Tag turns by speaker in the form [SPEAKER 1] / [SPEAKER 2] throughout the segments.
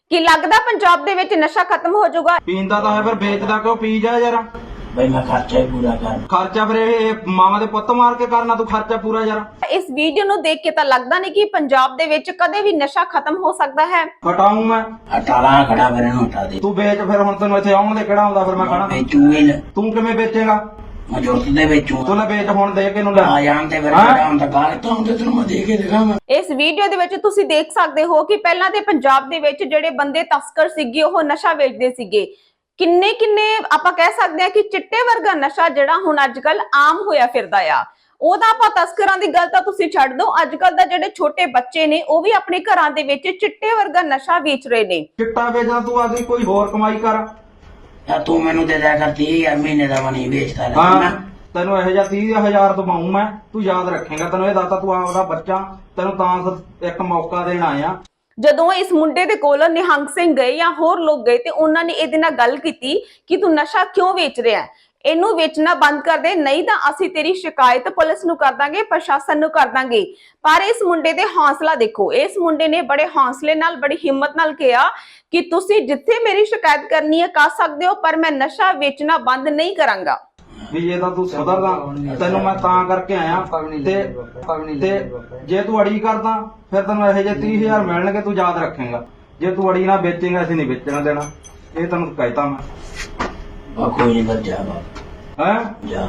[SPEAKER 1] ਕੀ ਲੱਗਦਾ ਪੰਜਾਬ ਦੇ ਵਿੱਚ ਨਸ਼ਾ ਖਤਮ ਹੋ ਜਾਊਗਾ?
[SPEAKER 2] ਪੀਂਦਾ ਤਾਂ ਹੈ ਫਿਰ ਵੇਚਦਾ ਕਿਉਂ? ਪੀ ਜਾ ਯਾਰ।
[SPEAKER 3] ਬਈ ਮੈਂ ਖਰਚਾ ਹੀ ਪੂਰਾ ਕਰ।
[SPEAKER 2] ਖਰਚਾ ਫਿਰ ਇਹ ਮਾਵਾਂ ਦੇ ਪੁੱਤ ਮਾਰ ਕੇ ਕਰਨਾ ਤੂੰ ਖਰਚਾ ਪੂਰਾ ਯਾਰ।
[SPEAKER 1] ਇਸ ਵੀਡੀਓ ਨੂੰ ਦੇਖ ਕੇ ਤਾਂ ਲੱਗਦਾ ਨਹੀਂ ਕਿ ਪੰਜਾਬ ਦੇ ਵਿੱਚ ਕਦੇ ਵੀ ਨਸ਼ਾ ਖਤਮ ਹੋ ਸਕਦਾ ਹੈ।
[SPEAKER 2] ਹਟਾਊਂ ਮੈਂ।
[SPEAKER 3] ਹਟਾਲਾ ਖੜਾ ਫਿਰ ਇਹਨੂੰ ਹਟਾ ਦੇ।
[SPEAKER 2] ਤੂੰ ਵੇਚ ਫਿਰ, ਹੁਣ ਤੈਨੂੰ ਇੱਥੇ ਆਉਣ ਦੇ ਕਿਹੜਾ ਆਉਂਦਾ ਫਿਰ ਮੈਂ ਖਾਣਾ।
[SPEAKER 3] ਵੇਚੂਗੇ ਨਾ।
[SPEAKER 2] ਤੂੰ ਕਿਵੇਂ ਵੇਚੇਗਾ?
[SPEAKER 3] ਮੈਂ ਜੁਰਤ ਦੇ ਵੇਚੂ।
[SPEAKER 2] ਤੂੰ ਲੈ ਵੇਚ ਹੁਣ, ਦੇ ਕੇ ਨੂੰ ਲੈ
[SPEAKER 3] ਆ ਜਾਣ ਤੇ ਫਿਰ ਕਿਹੜਾ ਹੁੰਦਾ ਗਾਲ ਤਾਂ ਹੁੰਦੇ ਤੈਨੂੰ ਮੈਂ ਦੇ ਕੇ ਦਿਖਾਵਾਂ।
[SPEAKER 1] ਇਸ ਵੀਡੀਓ ਦੇ ਵਿੱਚ ਤੁਸੀਂ ਦੇਖ ਸਕਦੇ ਹੋ ਕਿ ਪਹਿਲਾਂ ਦੇ ਪੰਜਾਬ ਦੇ ਵਿੱਚ ਜਿਹੜੇ ਬੰਦੇ ਤਸਕਰ ਸੀਗੇ ਉਹ ਨਸ਼ਾ ਵੇਚਦੇ ਸੀਗੇ। ਕਿੰਨੇ ਆਪਾਂ ਕਹਿ ਸਕਦੇ ਹਾਂ ਕਿ ਚਿੱਟੇ ਵਰਗਾ ਨਸ਼ਾ ਜਿਹੜਾ ਹੁਣ ਅੱਜ ਕੱਲ ਆਮ ਹੋਇਆ ਫਿਰਦਾ ਆ। ਉਹਦਾ ਆਪਾਂ ਤਸਕਰਾਂ ਦੀ ਗੱਲ ਤਾਂ ਤੁਸੀਂ ਛੱਡ ਦਿਓ, ਅੱਜ ਕੱਲ ਦਾ ਜਿਹੜੇ ਛੋਟੇ ਬੱਚੇ ਨੇ ਉਹ ਵੀ ਆਪਣੇ ਘਰਾਂ ਦੇ ਵਿੱਚ ਚਿੱਟੇ ਵਰਗਾ ਨਸ਼ਾ ਵੇਚ ਰਹੇ ਨੇ।
[SPEAKER 2] ਚਿੱਟਾ ਵੇਚਦਾ ਤੂੰ ਆਦੀ ਕੋਈ ਹੋਰ ਕਮਾਈ ਕਰ।
[SPEAKER 3] ਤਾਂ ਤੂੰ ਮੈਨੂੰ ਦੇ ਦਿਆ ਕਰ 30,000 ਮਹੀਨੇ ਦਾ ਮਨੀ ਵੇਚਦਾ ਲੈ।
[SPEAKER 2] ਹਾਂ ਤੈਨੂੰ ਇਹੋ ਜਿਹਾ 30,000 ਦਵਾਉਂ ਮੈਂ, ਤੂੰ ਯਾਦ ਰੱਖੇਗਾ। ਤੈਨੂੰ ਇਹ ਦੱਸਦਾ ਤੂੰ ਆਪਦਾ ਬੱਚਾ, ਤੈਨੂੰ ਤਾਂ ਇੱਕ ਮੌਕਾ ਦੇਣ ਆਇਆ।
[SPEAKER 1] ਜਦੋਂ ਇਸ ਮੁੰਡੇ ਦੇ ਕੋਲ ਨਿਹੰਗ ਸਿੰਘ ਗਏ ਜਾਂ ਹੋਰ ਲੋਕ ਗਏ ਤੇ ਉਹਨਾਂ ਨੇ ਇਹਦੇ ਨਾਲ ਗੱਲ ਕੀਤੀ ਕਿ ਤੂੰ ਨਸ਼ਾ ਕਿਉਂ ਵੇਚ ਰਿਹਾ ਹੈ, ਇਹਨੂੰ ਵੇਚਣਾ ਬੰਦ ਕਰ ਦੇ, ਨਹੀਂ ਤਾਂ ਅਸੀਂ ਤੇਰੀ ਸ਼ਿਕਾਇਤ ਪੁਲਿਸ ਨੂੰ ਕਰ ਦਾਂਗੇ, ਪ੍ਰਸ਼ਾਸਨ ਨੂੰ ਕਰ ਦਾਂਗੇ। ਪਰ ਇਸ ਮੁੰਡੇ ਦੇ ਹੌਸਲਾ ਦੇਖੋ, ਇਸ ਮੁੰਡੇ ਨੇ ਬੜੇ ਹੌਸਲੇ ਨਾਲ, ਬੜੀ ਹਿੰਮਤ ਨਾਲ ਕਿਹਾ ਕਿ ਤੁਸੀਂ ਜਿੱਥੇ ਮੇਰੀ ਸ਼ਿਕਾਇਤ ਕਰਨੀ ਹੈ ਕਰ ਸਕਦੇ ਹੋ, ਪਰ ਮੈਂ ਨਸ਼ਾ ਵੇਚਣਾ ਬੰਦ ਨਹੀਂ ਕਰਾਂਗਾ।
[SPEAKER 2] ਵੀ ਇਹ ਤਾਂ ਤੂੰ ਸੁਧਰਦਾ, ਤੈਨੂੰ ਮੈਂ ਤਾਂ ਕਰਕੇ ਆਇਆ। ਤੇ ਜੇ ਤੂੰ ਅੜੀ ਕਰਦਾ ਫਿਰ ਤੈਨੂੰ ਇਹੋ ਜਿਹੇ 30,000 ਮਿਲਣਗੇ, ਤੂੰ ਯਾਦ ਰੱਖੇਗਾ। ਜੇ ਤੂੰ ਅੜੀ ਨਾ ਵੇਚੇਗਾ ਅਸੀਂ ਨਹੀਂ ਵੇਚਣਾ ਦੇਣਾ, ਇਹ ਤੈਨੂੰ ਕਹਿਤਾ ਮੈਂ।
[SPEAKER 3] ਬਾ ਕੋਈ ਨਹੀਂ ਕਰ ਜਾ ਬਾਬਾ।
[SPEAKER 2] ਹੈ
[SPEAKER 3] ਜਾ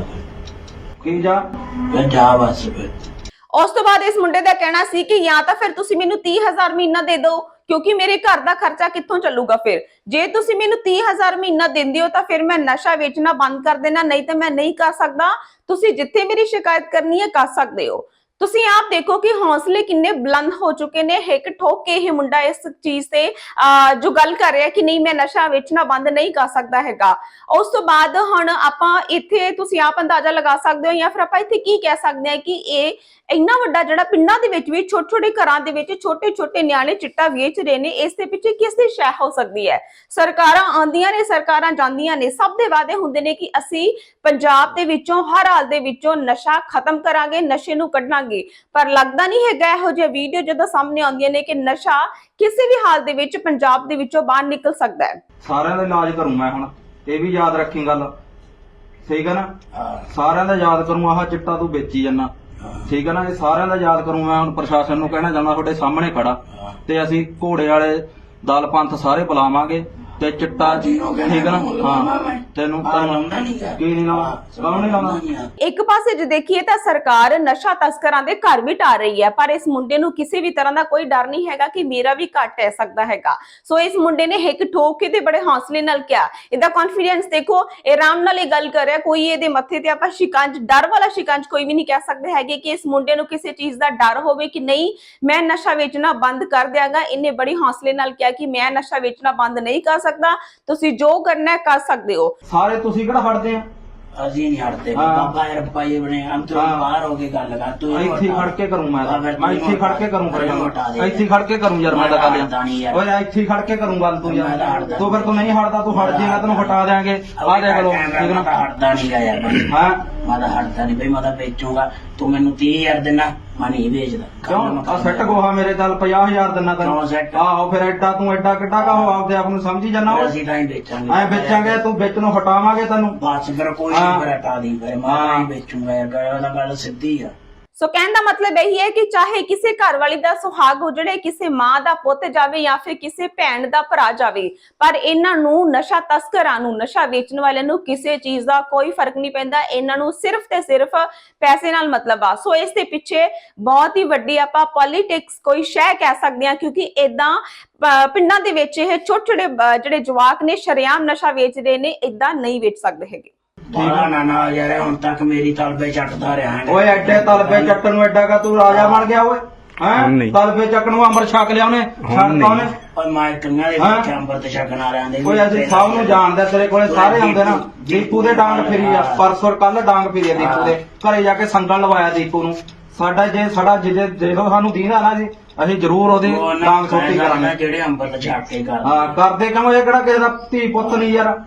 [SPEAKER 2] ਕੀ ਜਾ?
[SPEAKER 3] ਫਿਰ ਜਾ ਬਸ ਫਿਰ।
[SPEAKER 1] ਉਸ ਤੋਂ ਬਾਅਦ ਇਸ ਮੁੰਡੇ ਦਾ ਕਹਿਣਾ ਸੀ ਕਿ ਜਾਂ ਤਾਂ ਫਿਰ ਤੁਸੀਂ ਮੈਨੂੰ 30,000 ਮਹੀਨਾ ਦੇ ਦਿਓ, ਕਿਉਂਕਿ ਮੇਰੇ ਘਰ ਦਾ ਖਰਚਾ ਕਿੱਥੋਂ ਚੱਲੂਗਾ। ਫਿਰ ਜੇ ਤੁਸੀਂ ਮੈਨੂੰ 30,000 ਮਹੀਨਾ ਦਿੰਦੇ ਹੋ ਤਾਂ ਫਿਰ ਮੈਂ ਨਸ਼ਾ ਵੇਚਣਾ ਬੰਦ ਕਰ ਦੇਣਾ, ਨਹੀਂ ਤਾਂ ਮੈਂ ਨਹੀਂ ਕਰ ਸਕਦਾ। ਤੁਸੀਂ ਜਿੱਥੇ ਮੇਰੀ ਸ਼ਿਕਾਇਤ ਕਰਨੀ ਹੈ ਕਰ ਸਕਦੇ ਹੋ। ਤੁਸੀਂ ਆਪ ਦੇਖੋ ਕਿ ਹੌਸਲੇ ਕਿੰਨੇ ਬੁਲੰਦ ਹੋ ਚੁੱਕੇ ਨੇ। ਹਿੱਕ ਠੋਕ ਕੇ ਇਹ ਮੁੰਡਾ ਇਸ ਚੀਜ਼ ਤੇ ਜੋ ਗੱਲ ਕਰ ਰਿਹਾ ਕਿ ਨਹੀਂ ਮੈਂ ਨਸ਼ਾ ਵੇਚਣਾ ਬੰਦ ਨਹੀਂ ਕਰ ਸਕਦਾ ਹੈਗਾ। ਉਸ ਤੋਂ ਬਾਅਦ ਹੁਣ ਆਪਾਂ ਇੱਥੇ ਤੁਸੀਂ ਆਪ ਅੰਦਾਜ਼ਾ ਲਗਾ ਸਕਦੇ ਹੋ ਜਾਂ ਫਿਰ ਆਪਾਂ ਇੱਥੇ ਕੀ ਕਹਿ ਸਕਦੇ ਹਾਂ ਕਿ ਇਹ ਇੰਨਾ ਵੱਡਾ ਜਿਹੜਾ ਪਿੰਡਾਂ ਦੇ ਵਿੱਚ ਵੀ ਛੋਟੇ ਘਰਾਂ ਦੇ ਵਿੱਚ ਛੋਟੇ ਨਿਆਣੇ ਚਿੱਟਾ ਵੇਚ ਰਹੇ ਨੇ, ਇਸ ਦੇ ਪਿੱਛੇ ਕਿਸ ਦੀ ਸ਼ੈ ਹੋ ਸਕਦੀ ਹੈ? ਸਰਕਾਰਾਂ ਆਉਂਦੀਆਂ ਨੇ, ਸਰਕਾਰਾਂ ਜਾਂਦੀਆਂ ਨੇ, ਸਭ ਦੇ ਵਾਅਦੇ ਹੁੰਦੇ ਨੇ ਕਿ ਅਸੀਂ ਪੰਜਾਬ ਦੇ ਵਿੱਚੋਂ ਹਰ ਹਾਲ ਦੇ ਵਿੱਚੋਂ ਨਸ਼ਾ ਖਤਮ ਕਰਾਂਗੇ, ਨਸ਼ੇ ਨੂੰ ਕੱਢਾਂਗੇ। ਪਰ ਲੱਗਦਾ ਨਹੀਂ ਹੈਗਾ। ਇਹੋ ਜਿਹੀ ਵੀਡੀਓ ਜਦੋਂ ਸਾਹਮਣੇ ਆਉਂਦੀਆਂ ਨੇ ਕਿ ਨਸ਼ਾ ਕਿਸੇ ਵੀ ਹਾਲ ਦੇ ਵਿੱਚ ਪੰਜਾਬ ਦੇ ਵਿੱਚੋਂ ਬਾਹਰ ਨਿਕਲ ਸਕਦਾ ਹੈ।
[SPEAKER 2] ਸਾਰਿਆਂ ਦਾ ਇਲਾਜ ਕਰੂੰ ਮੈਂ ਹੁਣ, ਇਹ ਵੀ ਯਾਦ ਰੱਖੀ ਗੱਲ, ਠੀਕ ਹੈ ਨਾ? ਸਾਰਿਆਂ ਦਾ ਯਾਦ ਕਰੂੰ। ਆਹ ਚਿੱਟਾ ਤੂੰ ਵੇਚੀ ਜਾਂਦਾ, ਠੀਕ ਹੈ ਨਾ? ਇਹ ਸਾਰਿਆਂ ਦਾ ਯਾਦ ਕਰੂੰ ਮੈਂ। ਹੁਣ ਪ੍ਰਸ਼ਾਸਨ ਨੂੰ ਕਹਿਣਾ ਚਾਹੁੰਦਾ, ਤੁਹਾਡੇ ਸਾਹਮਣੇ ਖੜਾ, ਤੇ ਅਸੀਂ ਘੋੜੇ ਵਾਲੇ ਦਲ ਪੰਥ ਸਾਰੇ ਬੁਲਾਵਾਂਗੇ ਤੇ ਚਿੱਟਾ, ਠੀਕ ਹੈ ਨਾ? ਹਾਂ ਤੈਨੂੰ ਕੀ ਨਹੀਂ ਲਾਉਣਾ, ਕੌਣ ਨਹੀਂ ਲਾਉਣਾ।
[SPEAKER 1] ਇੱਕ ਪਾਸੇ ਜੇ ਦੇਖੀਏ ਤਾਂ ਸਰਕਾਰ ਨਸ਼ਾ ਤਸਕਰਾਂ ਦੇ ਘਰ ਵੀ ਢਾ ਰਹੀ ਹੈ, ਪਰ ਇਸ ਮੁੰਡੇ ਨੂੰ ਕਿਸੇ ਵੀ ਤਰ੍ਹਾਂ ਦਾ ਕੋਈ ਡਰ ਨਹੀਂ ਹੈਗਾ ਕਿ ਮੇਰਾ ਵੀ ਘਰ ਢਹਿ ਸਕਦਾ ਹੈਗਾ। ਸੋ ਇਸ ਮੁੰਡੇ ਨੇ ਹਿੱਕ ਠੋਕ ਕੇ ਤੇ ਬੜੇ ਹੌਸਲੇ ਨਾਲ ਕਿਹਾ। ਇਹਦਾ ਕੌਨਫੀਡੈਂਸ ਦੇਖੋ, ਇਹ ਆਰਾਮ ਨਾਲ ਇਹ ਗੱਲ ਕਰ ਰਿਹਾ। ਕੋਈ ਇਹਦੇ ਮੱਥੇ ਤੇ ਆਪਾਂ ਸ਼ਿਕੰਜ, ਡਰ ਵਾਲਾ ਸ਼ਿਕੰਜ ਕੋਈ ਵੀ ਨਹੀਂ ਕਹਿ ਸਕਦੇ ਹੈਗੇ ਕਿ ਇਸ ਮੁੰਡੇ ਨੂੰ ਕਿਸੇ ਚੀਜ਼ ਦਾ ਡਰ ਹੋਵੇ ਕਿ ਨਹੀਂ ਮੈਂ ਨਸ਼ਾ ਵੇਚਣਾ ਬੰਦ ਕਰ ਦਿਆਂਗਾ। ਇਹਨੇ ਬੜੀ ਹੌਸਲੇ ਨਾਲ ਕਿਹਾ ਕਿ ਮੈਂ ਨਸ਼ਾ ਵੇਚਣਾ ਬੰਦ ਨਹੀਂ ਕਰ ਸਕਦਾ, ਤੁਸੀਂ ਜੋ ਕਰਨਾ ਹੈ ਕਰ ਸਕਦੇ ਹੋ।
[SPEAKER 2] ਸਾਰੇ ਤੁਸੀਂ ਕਿਹੜਾ ਹਟਦੇ ਆ?
[SPEAKER 3] ਅਸੀਂ ਨਹੀਂ ਹਟਦੇ ਬਾਬਾ ਯਾਰ, ਪਾਈ ਬਣੇ ਅੰਤਰ ਬਾਹਰ ਹੋ ਕੇ ਗੱਲ ਕਰ। ਤੂੰ
[SPEAKER 2] ਇੱਥੇ ਖੜ ਕੇ ਕਰੂੰ ਮੈਂ ਇੱਥੇ ਖੜ ਕੇ ਕਰੂੰ, ਇੱਥੇ ਖੜ ਕੇ ਕਰੂੰ ਯਾਰ ਮੈਂ ਤਾਂ ਗੱਲ। ਓਏ ਇੱਥੇ ਖੜ ਕੇ ਕਰੂੰ ਗੱਲ ਤੂੰ ਯਾਰ। ਤੂੰ ਫਿਰ ਤੂੰ ਨਹੀਂ ਹਟਦਾ, ਤੂੰ ਹਟ ਜਾਏਗਾ ਤੈਨੂੰ ਹਟਾ ਦੇਾਂਗੇ। ਆ ਦੇਖ ਲੋ, ਠੀਕ ਨਾ?
[SPEAKER 3] ਹਟਦਾ ਨਹੀਂ ਗਾ ਯਾਰ।
[SPEAKER 2] ਹਾਂ
[SPEAKER 3] ਮੈਂ ਤਾਂ ਹਟਦਾ ਨਹੀਂ ਬਈ, ਮੈਂ ਤਾਂ ਵੇਚੂਗਾ। ਤੂੰ ਮੈਨੂੰ 30,000 ਦੇਣਾ, ਮੈਂ ਨਹੀਂ ਵੇਚਦਾ।
[SPEAKER 2] ਕਿਉਂ? ਆ ਸੈੱਟ ਗੋਹਾ ਮੇਰੇ ਚੱਲ 50,000 ਦਿਨਾ ਤੈਨੂੰ। ਆਹੋ ਫਿਰ ਐਡਾ ਤੂੰ ਐਡਾ ਕਿੱਡਾ ਕਾ ਹੋ ਆਪਦੇ ਆਪ ਨੂੰ ਸਮਝੀ ਜਾਂਦਾ।
[SPEAKER 3] ਅਸੀਂ ਤਾਂ ਹੀ ਵੇਚਾਂਗੇ,
[SPEAKER 2] ਐ ਵੇਚਾਂਗੇ, ਤੂੰ ਵਿੱਚ ਨੂੰ ਹਟਾਵਾਂਗੇ ਤੈਨੂੰ।
[SPEAKER 3] ਬਸ ਫਿਰ ਕੋਈ ਨਹੀਂ, ਫਿਰ ਹਟਾ ਦੀ ਫਿਰ। ਮੈਂ ਨਹੀਂ ਵੇਚੂਗਾ ਯਾਰ, ਗੱਲ ਸਿੱਧੀ ਆ।
[SPEAKER 1] ਸੋ ਕਹਿਣ ਦਾ ਮਤਲਬ ਇਹੀ ਹੈ ਕਿ ਚਾਹੇ ਕਿਸੇ ਘਰ ਵਾਲੀ ਦਾ ਸੁਹਾਗ ਉਜੜੇ, ਕਿਸੇ ਮਾਂ ਦਾ ਪੁੱਤ ਜਾਵੇ ਜਾਂ ਫਿਰ ਕਿਸੇ ਭੈਣ ਦਾ ਭਰਾ ਜਾਵੇ, ਪਰ ਇਹਨਾਂ ਨੂੰ ਨਸ਼ਾ ਤਸਕਰਾਂ ਨੂੰ, ਨਸ਼ਾ ਵੇਚਣ ਵਾਲਿਆਂ ਨੂੰ ਕਿਸੇ ਚੀਜ਼ ਦਾ ਕੋਈ ਫਰਕ ਨਹੀਂ ਪੈਂਦਾ। ਇਹਨਾਂ ਨੂੰ ਸਿਰਫ ਤੇ ਸਿਰਫ ਪੈਸੇ ਨਾਲ ਮਤਲਬ ਆ। ਸੋ ਇਸ ਦੇ ਪਿੱਛੇ ਬਹੁਤ ਹੀ ਵੱਡੀ ਆਪਾਂ ਪੋਲਿਟਿਕਸ ਕੋਈ ਸ਼ੈ ਕਹਿ ਸਕਦੇ ਹਾਂ, ਕਿਉਂਕਿ ਏਦਾਂ ਪਿੰਡਾਂ ਦੇ ਵਿੱਚ ਇਹ ਛੋਟੇ ਜਿਹੜੇ ਜਵਾਕ ਨੇ ਸ਼ਰੇਆਮ ਨਸ਼ਾ ਵੇਚ ਰਹੇ ਨੇ, ਏਦਾਂ ਨਹੀਂ ਵੇਚ ਸਕਦੇ ਹੈਗੇ।
[SPEAKER 3] ਨਾ ਯਾਰ, ਹੁਣ ਤੱਕ ਮੇਰੀ ਤਲਬੇ ਚੱਟਦਾ ਰਿਹਾ।
[SPEAKER 2] ਓਏ ਐਡੇ ਤਲਬੇ ਚੱਟਣ ਨੂੰ ਐਡਾ ਕਾ ਤੂੰ ਰਾਜਾ ਬਣ ਗਿਆ ਓਏ? ਹੈਂ ਤਲਬੇ ਚੱਕਣ ਨੂੰ ਅੰਮ੍ਰਿਤ ਛਕ ਲਿਆ ਉਹਨੇ, ਛੱਡਤਾ ਉਹਨੇ।
[SPEAKER 3] ਓਏ ਮੈਂ ਕੰਨਾਂ ਦੇ ਵਿੱਚ ਅੰਮ੍ਰਿਤ ਛਕਣ ਆ ਰਿਹਾ।
[SPEAKER 2] ਓਏ ਅਸੀਂ ਸਭ ਨੂੰ ਜਾਣਦੇ, ਤੇਰੇ ਕੋਲੇ ਸਾਰੇ ਆਉਂਦੇ ਨਾ। ਦੀਪੂ ਦੇ ਡਾਂਗ ਫਿਰੀ ਆ, ਪਰਸੋਂ ਕੱਲ ਡਾਂਗ ਫਿਰੀ ਆ ਦੀਪੂ ਦੇ ਘਰੇ ਜਾ ਕੇ ਸੰਗਲ ਲਵਾਇਆ ਦੀਪੂ ਨੂੰ। ਸਾਡਾ ਜੇ ਜਦੋਂ ਸਾਨੂੰ ਦੀਦਾ ਨਾ ਜੀ, ਅਸੀਂ ਜ਼ਰੂਰ ਉਹਦੀ ਡਾਂਗ ਛੋਟੀ ਕਰਾਂਗੇ।
[SPEAKER 3] ਜਿਹੜੇ ਅੰਮ੍ਰਿਤ ਛਕ ਕੇ
[SPEAKER 2] ਕਰਦੇ ਕਿਉਂ? ਇਹ ਕਿਹੜਾ ਕਿਸੇ ਦਾ ਧੀ ਪੁੱਤ ਨਹੀਂ ਯਾਰ।